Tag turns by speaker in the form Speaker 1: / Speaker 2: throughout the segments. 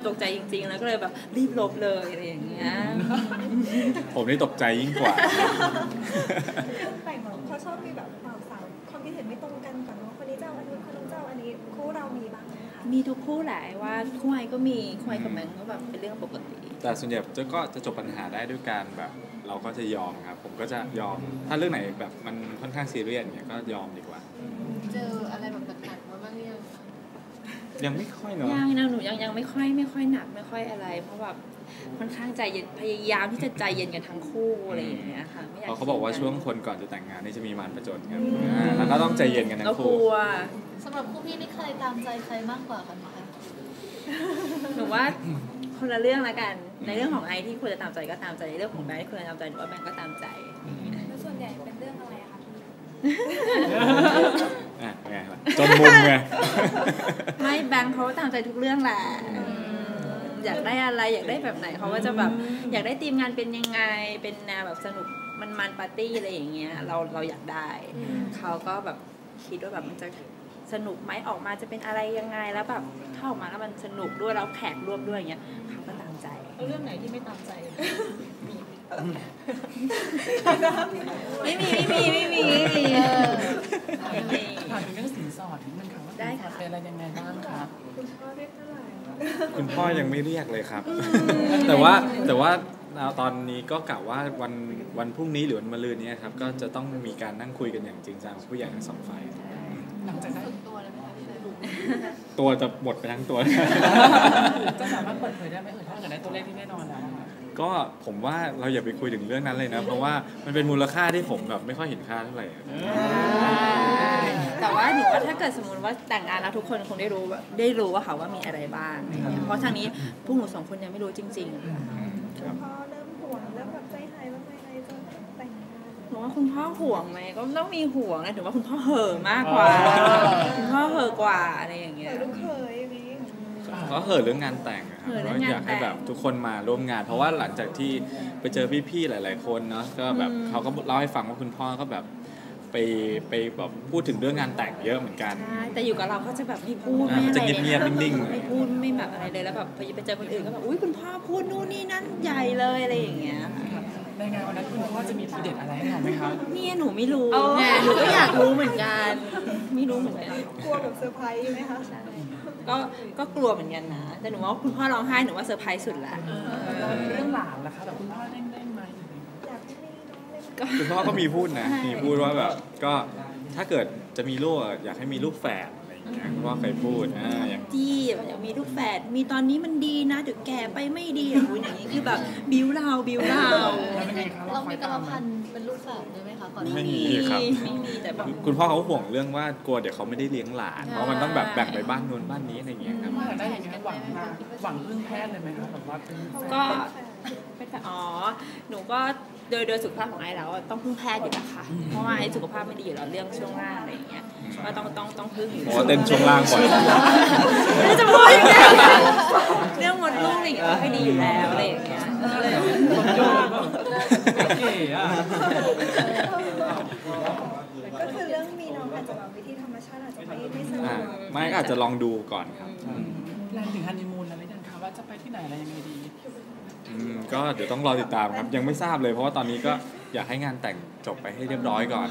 Speaker 1: ตกใจจริงๆแล้วก็เลยแบบรีบลบเลยอะไรอย่างเงี้ย
Speaker 2: ผมนี่ตกใจยิ่งกว่า
Speaker 3: แต่งเขาชอบมีแบบสาวความคิดเห็นไม่ตรงกันก่อนว่าคนนี้เจ้าอันนี้คนนู้นเจ้าอันนี้คู่เรามีบ้างไหมคะ
Speaker 1: มีทุกคู่แหละว่าคู่ไอก็มีคู่ไอกับแมงก็แบบเป็นเรื่องปกติ
Speaker 2: แต่ส่วนใหญ่ก็จะจบปัญหาได้ด้วยการแบบเราก็จะยอมครับผมก็จะยอมถ้าเรื่องไหนแบบมันค่อนข้างซีเรียสเนี่ยก็ยอมดีกว่า
Speaker 4: เจออะไรแบบหนักๆมาบ้างหรือยังคะ
Speaker 2: ยังไม่ค่อยเนาะ
Speaker 1: ยังนะหนูยังไม่ค่อยหนักไม่ค่อยอะไรเพราะแบบค่อนข้างใจเย็นพยายามที่จะใจเย็นกันทั้งคู่อะไรอย่างเงี้ยค่ะไม่อยาก
Speaker 2: เขาบอกว่าช่วงคนก่อนจะแต่งงานนี่จะมีมารผจญครับแล้วก็ต้องใจเย็นกันทั้งคู่
Speaker 4: สำหรับคู่พี่นี่ใครตามใจใครมากกว่ากันคะ
Speaker 1: หนูว่าคนละเรื่องละกันในเรื่องของไอที่ควรจะตามใจก็ตามใจในเรื่องของแบงค์ที่ควรจะตามใจหนูว่าแบงค์ก็ตามใจ
Speaker 3: แล้วส่วนใหญ่เป็นเรื่องอะไรอะคะ
Speaker 2: ไงล่ะจนมุมไง
Speaker 1: ไม่แบงค์เขาตามใจทุกเรื่องแหละอยากได้อะไรอยากได้แบบไหนเขาก็จะแบบอยากได้ทีมงานเป็นยังไงเป็นแนวแบบสนุกมันปาร์ตี้อะไรอย่างเงี้ยเราอยากได้เขาก็แบบคิดว่าแบบมันจะสนุกไหมออกมาจะเป็นอะไรยังไงแล้วแบบถ้าออกมาแล้วมันสนุกด้วยแล้วแขกร่วมด้วยอย่างเงี้ยเขาก็ตามใจ
Speaker 4: เรื่องไหนที่ไม่ตามใจ
Speaker 1: ไม่มี
Speaker 5: ถามถึงเรื่องสินสอดนิดนึงค่ะว่าสินสอดเป็นอะไรยังไงบ้างคะ
Speaker 3: คุณพ่อเรียกเท่าไหร่
Speaker 2: คุณพ่อยังไม่เรียกเลยครับแต่ว่าตอนนี้ก็กะว่าวันพรุ่งนี้หรือวันมะรืนนี้ครับก็จะต้องมีการนั่งคุยกันอย่างจริงจังผู้ใหญ่ทั้งสองฝ่าย
Speaker 5: หลังจากนั้น
Speaker 2: ตัวจะหมดไปทั้งตัว
Speaker 5: จะสามารถเปิดเผยได้ไหมถ้าเกิดได้ตัวเลขที่แน่นอนแล้ว
Speaker 2: ก็ผมว่าเราอย่าไปคุยถึงเรื่องนั้นเลยนะเพราะว่ามันเป็นมูลค่าที่ผมแบบไม่ค่อยเห็นค่าเท่าไหร่
Speaker 1: แต่ว่าหนูว่าถ้าเกิดสมมติว่าแต่งงานแล้วทุกคนคงได้รู้ว่าเขาว่ามีอะไรบ้างเพราะทางนี้พวกหนูสองคนยังไม่รู้จริงๆ
Speaker 3: พ่อเริ่มห่วงเริ่มแบบใจหายแล้วไงจะแต่งงาน
Speaker 1: หนูว่าคุณพ่อห่วงไหมก็ต้องมีห่วงนะถือว่าคุณพ่อเห่อมากกว่าคุณพ่อเห่อกว่าอะไรอย่างเงี้ย
Speaker 3: ลูกเคยอย่างนี้
Speaker 2: เขาเห่อเรื่องงานแต่งครับก็อยากให้แบบทุกคนมาร่วมงานเพราะว่าหลังจากที่ไปเจอพี่ๆหลายๆคนเนาะก็แบบเขาก็เล่าให้ฟังว่าคุณพ่อก็แบบไปแบบพูดถึงเรื่องงานแต่งเยอะเหมือนกัน
Speaker 1: แต่อยู่กับเราเขาจะแบบไม่พูดไม่อะไร
Speaker 2: จะเงียบๆนิ่ง
Speaker 1: ๆไม่พูดไม่แบบอะไรเลยแล้วแบบไปเจอคนอื่นก็แบบอุ้ยคุณพ่อพูดนู่นนี่นั่นใหญ่เลยอะไรอย่างเงี้ย
Speaker 5: ในงานวันนั้นคุณพ่อจะมีทีเด็ดอะไรให้เราไหมคะ
Speaker 1: เนี่ยหนูไม่รู้ไงหนูก็อยากรู้เหมือนกันไม่รู้เหมือนกัน
Speaker 3: กลัวแบบเซอร์ไพรส์ไหมคะ
Speaker 1: ก็กลัวเหมือนกันนะแต่หนูว่าคุณพ่อร้องไห้หนูว่าเซอร์ไพรส์สุดละ
Speaker 5: เรื่องหลานล่ะคะแบบคุณพ่อได้ไหม
Speaker 2: คุณพ่อก็มีพูดนะมีพูดว่าแบบก็ถ้าเกิดจะมีลูกอยากให้มีลูกแฝดอะไรอย่างเงี้ยคุณพ่อเคยพูด
Speaker 1: อย่างที่อยากมีลูกแฝดมีตอนนี้มันดีนะเดี๋ยวแก่ไปไม่ดีอย่างนี้คือแบบบิ้วเรา
Speaker 4: เรามีกรรมพันธุ์เป็นลูกแฝดด้วยไหมคะก่อน
Speaker 2: ไม่มีครับ
Speaker 1: ไม่มีแต่แบบ
Speaker 2: คุณพ่อเขาห่วงเรื่องว่ากลัวเดี๋ยวเขาไม่ได้เลี้ยงหลานเพราะมันต้องแบบแบ่งไปบ้านนู้นบ้านนี้อะไรอย่างเงี้ยครับ
Speaker 5: ได้อย่างนี้หวังพึ่งแพทย์เลยไหมคะแบบว่า
Speaker 1: ก็หนูก็โดยสุขภาพของไอแล้วต้องพึ่งแพทย์อยู่นะคะเพราะว่าไอสุขภาพไม่ดีอยู่แล้วเรื่องช่วงล่างอะไรอย่างเงี้ยก็ต้องพึ่งอยู่
Speaker 2: เต้นช่วงล่างบ่อย
Speaker 1: ไม่จะพูดยังไงเรื่องมดลูกอะไรอย่างเงี้ยไม่ดีอยู่แล้วอะไรอย่างเงี้ยเลย
Speaker 3: ก็คือเรื่องมีน้องอาจจะแบบวิธีธรรมชาติอาจจะไม่สะดวก
Speaker 2: ไม่อาจจะลองดูก่อนครับ
Speaker 5: แลนถึงฮันนีมูนแล้วหรือยังคะว่าจะไปที่ไหนอะไรยังไงดี
Speaker 2: ก็เดี๋ยวต้องรอติดตามครับยังไม่ทราบเลยเพราะว่าตอนนี้ก็อยากให้งานแต่งจบไปให้เรียบร้อยก่อน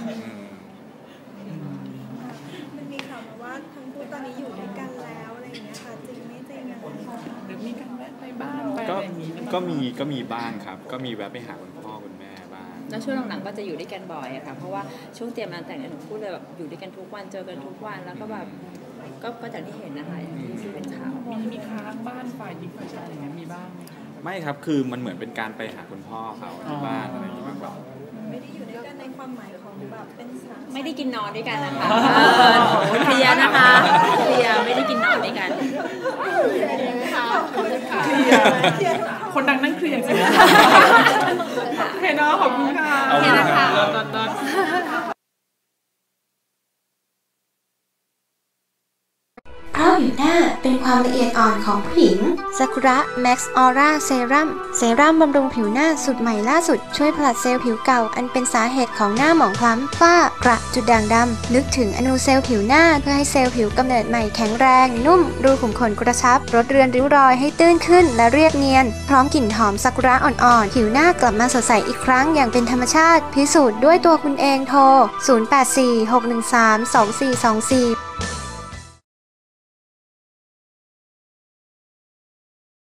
Speaker 3: มันมีข่าวมาว่าทั้งคู่ตอนนี้อยู่ด้วยกันแล้วอะไรอย่างเงี้ยค่ะจริงไม่จริงอะ
Speaker 5: หรือมีการแวะไปบ้าง
Speaker 2: ก็มีบ้างครับก็มีแวะไปหาคุณพ่อคุณแม่บ้าง
Speaker 1: แล้วช่วงหลังๆก็จะอยู่ด้วยกันบ่อยค่ะเพราะว่าช่วงเตรียมงานแต่งหนูพูดเลยแบบอยู่ด้วยกันทุกวันเจอกันทุกวันแล้วก็แบบก็จากที่เห็นนะคะที่เป็นข่าว
Speaker 5: มีค้างบ้านฝ่ายหญิงฝ่ายชายอย่างเงี้ยมีบ้างไหมคะ
Speaker 2: ไม่ครับคือมันเหมือนเป็นการไปหาคุณพ่อเขาที่บ้านอะไรอย่างเงี้ยแบบ
Speaker 3: ไม่ได้อยู่ด้วยกันในความหมายของแบบเป็นสาม
Speaker 1: ไม่ได้กินนอนด้วยกันนะคะเคลียร์นะคะเคลียร์ไม่ได้กินนอนด้วยกัน
Speaker 5: คนดังนั่งเคลียร์จริงเห็นเนาะขอบคุณค่ะ
Speaker 1: เห็นนะคะ
Speaker 6: อัพผิวหน้าเป็นความละเอียดอ่อนของผู้หญิงซากุระแม็กซ์ออร่าเซรั่มบำรุงผิวหน้าสูตรใหม่ล่าสุดช่วยผลัดเซลล์ผิวเก่าอันเป็นสาเหตุของหน้าหมองคล้ำฝ้ากระจุดด่างดำลึกถึงอนูเซลล์ผิวหน้าเพื่อให้เซลล์ผิวกำเนิดใหม่แข็งแรงนุ่มรูขุมขนกระชับลดเรือนริ้วรอยให้ตื้นขึ้นและเรียบเนียนพร้อมกลิ่นหอมซากุระอ่อนๆผิวหน้ากลับมาสดใสอีกครั้งอย่างเป็นธรรมชาติพิสูจน์ด้วยตัวคุณเองโทร 0846132424